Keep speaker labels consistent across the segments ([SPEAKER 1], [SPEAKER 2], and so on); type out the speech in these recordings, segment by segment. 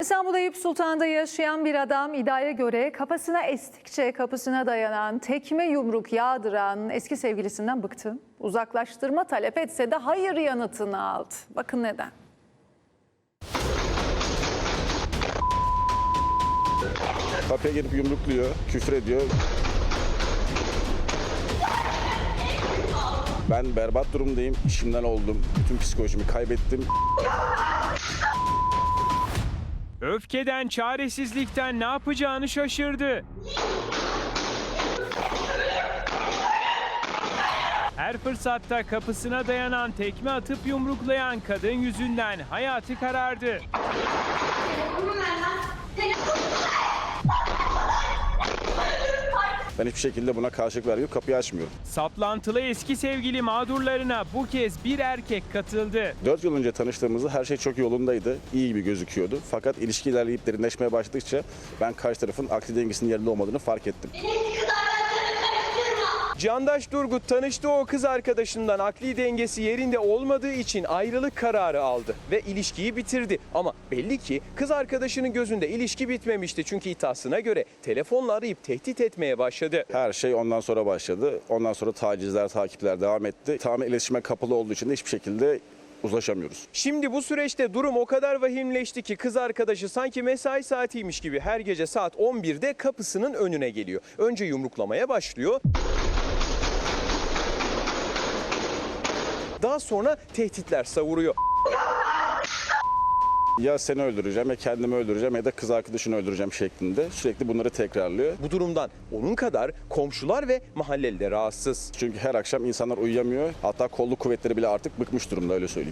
[SPEAKER 1] İstanbul Eyüp Sultan'da yaşayan bir adam iddiaya göre kafasına estikçe kapısına dayanan, tekme yumruk yağdıran eski sevgilisinden bıktı. Uzaklaştırma talep etse de hayır yanıtını aldı. Bakın neden.
[SPEAKER 2] Kapıya gelip yumrukluyor, küfür ediyor. Ben berbat durumdayım, işimden oldum, bütün psikolojimi kaybettim.
[SPEAKER 3] Öfkeden, çaresizlikten ne yapacağını şaşırdı. Her fırsatta kapısına dayanan, tekme atıp yumruklayan kadın yüzünden hayatı karardı.
[SPEAKER 2] Ben hiçbir şekilde buna karşılık vermiyorum, kapıyı açmıyorum.
[SPEAKER 3] Saplantılı eski sevgili mağdurlarına bu kez bir erkek katıldı.
[SPEAKER 2] 4 yıl önce tanıştığımızda her şey çok yolundaydı, iyi gibi gözüküyordu. Fakat ilişki ilerleyip derinleşmeye başladıkça ben karşı tarafın akli dengesinin yerinde olmadığını fark ettim.
[SPEAKER 4] Candaş Durgut tanıştığı o kız arkadaşından akli dengesi yerinde olmadığı için ayrılık kararı aldı ve ilişkiyi bitirdi. Ama belli ki kız arkadaşının gözünde ilişki bitmemişti. Çünkü iddiasına göre telefonla arayıp tehdit etmeye başladı.
[SPEAKER 2] Her şey ondan sonra başladı. Ondan sonra tacizler, takipler devam etti. Tamamen iletişime kapalı olduğu için de hiçbir şekilde uzlaşamıyoruz.
[SPEAKER 4] Şimdi bu süreçte durum o kadar vahimleşti ki kız arkadaşı sanki mesai saatiymiş gibi her gece saat 11'de kapısının önüne geliyor. Önce yumruklamaya başlıyor. Daha sonra tehditler savuruyor.
[SPEAKER 2] Ya seni öldüreceğim, ya kendimi öldüreceğim ya da kız arkadaşını öldüreceğim şeklinde sürekli bunları tekrarlıyor.
[SPEAKER 4] Bu durumdan onun kadar komşular ve mahalleli de rahatsız.
[SPEAKER 2] Çünkü her akşam insanlar uyuyamıyor. Hatta kolluk kuvvetleri bile artık bıkmış durumda, öyle söyleyeyim.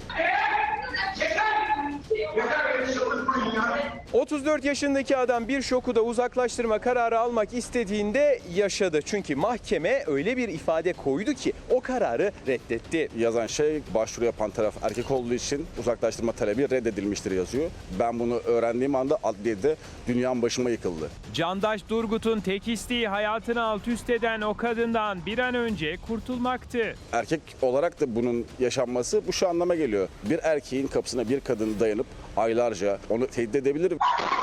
[SPEAKER 4] 34 yaşındaki adam bir şoku da uzaklaştırma kararı almak istediğinde yaşadı. Çünkü mahkeme öyle bir ifade koydu ki o kararı reddetti.
[SPEAKER 2] Yazan şey, başvuru yapan taraf erkek olduğu için uzaklaştırma talebi reddedilmiştir yazıyor. Ben bunu öğrendiğim anda adliyede dünyam başıma yıkıldı.
[SPEAKER 3] Candaş Durgut'un tek isteği hayatını alt üst eden o kadından bir an önce kurtulmaktı.
[SPEAKER 2] Erkek olarak da bunun yaşanması bu şu anlama geliyor. Bir erkeğin kapısına bir kadın dayanıp aylarca onu tehdit edebilir.